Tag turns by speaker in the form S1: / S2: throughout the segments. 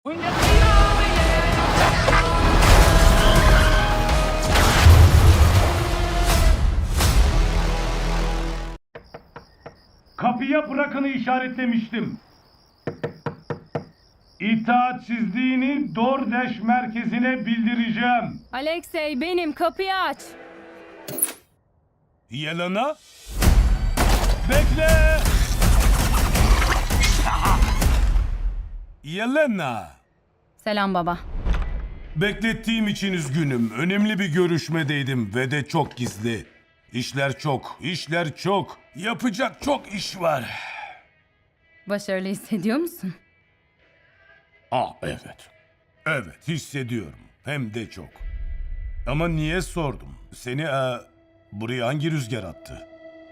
S1: Kapıya bırakını işaretlemiştim. İtaatsizliğini DoorDash merkezine bildireceğim.
S2: Alexey benim, kapıyı aç.
S1: Yelena? Bekle! Yelena!
S2: Selam baba.
S1: Beklettiğim için üzgünüm. Önemli bir görüşmedeydim ve de çok gizli. İşler çok. Yapacak çok iş var.
S2: Başarılı hissediyor musun?
S1: Evet. Evet, hissediyorum. Hem de çok. Ama niye sordum? Seni buraya hangi rüzgar attı?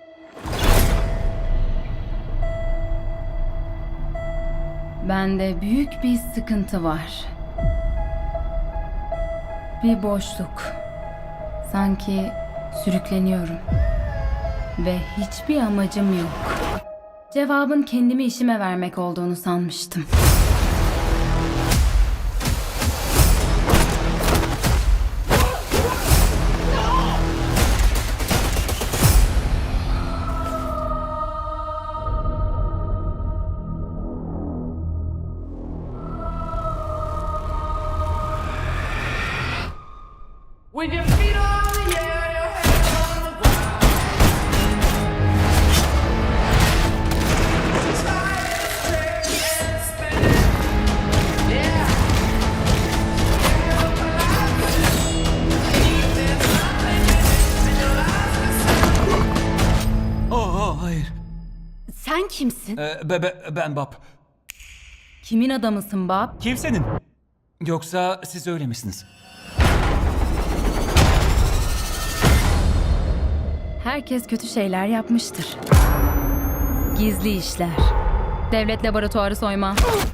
S2: Bende büyük bir sıkıntı var. Bir boşluk. Sanki sürükleniyorum. Ve hiçbir amacım yok. Cevabın kendimi işime vermek olduğunu sanmıştım.
S3: With your feet on the air, your head on the ground. Try to stay and spin. Yeah.
S4: Hayır.
S2: Sen kimsin?
S4: Ben Bob.
S2: Kimin adamısın Bob?
S4: Kimsenin? Yoksa siz öyle misiniz?
S2: Herkes kötü şeyler yapmıştır. Gizli işler. Devlet laboratuvarı soyma.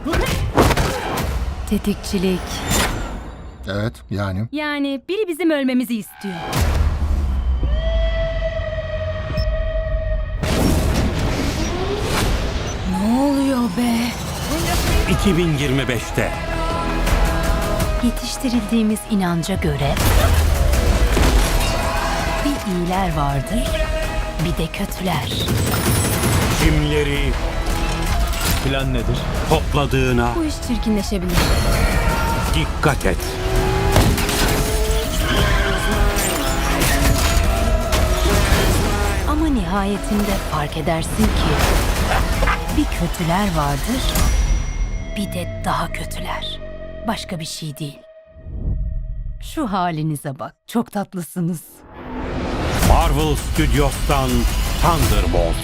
S2: Tetikçilik.
S5: Evet, yani.
S2: Yani biri bizim ölmemizi istiyor. Ne oluyor be?
S6: 2025'te
S7: Yetiştirildiğimiz inanca göre bir iyiler vardır, bir de kötüler.
S6: kimleri plan nedir? Topladığına
S2: Bu iş çirkinleşebilir.
S6: dikkat et.
S7: Ama nihayetinde fark edersin ki bir kötüler vardır, bir de daha kötüler. Başka bir şey değil. Şu halinize bak, çok tatlısınız.
S6: Marvel Studios'tan Thunderbolt.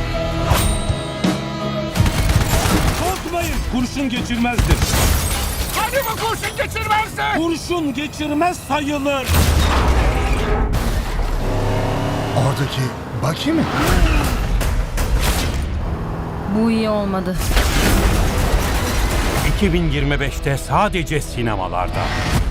S1: Korkmayın, kurşun geçirmezdir.
S3: Hadi bu kurşun geçirmezdi.
S1: Kurşun geçirmez sayılır.
S5: Oradaki Bucky mi?
S2: Bu iyi olmadı.
S6: 2025'te sadece sinemalarda.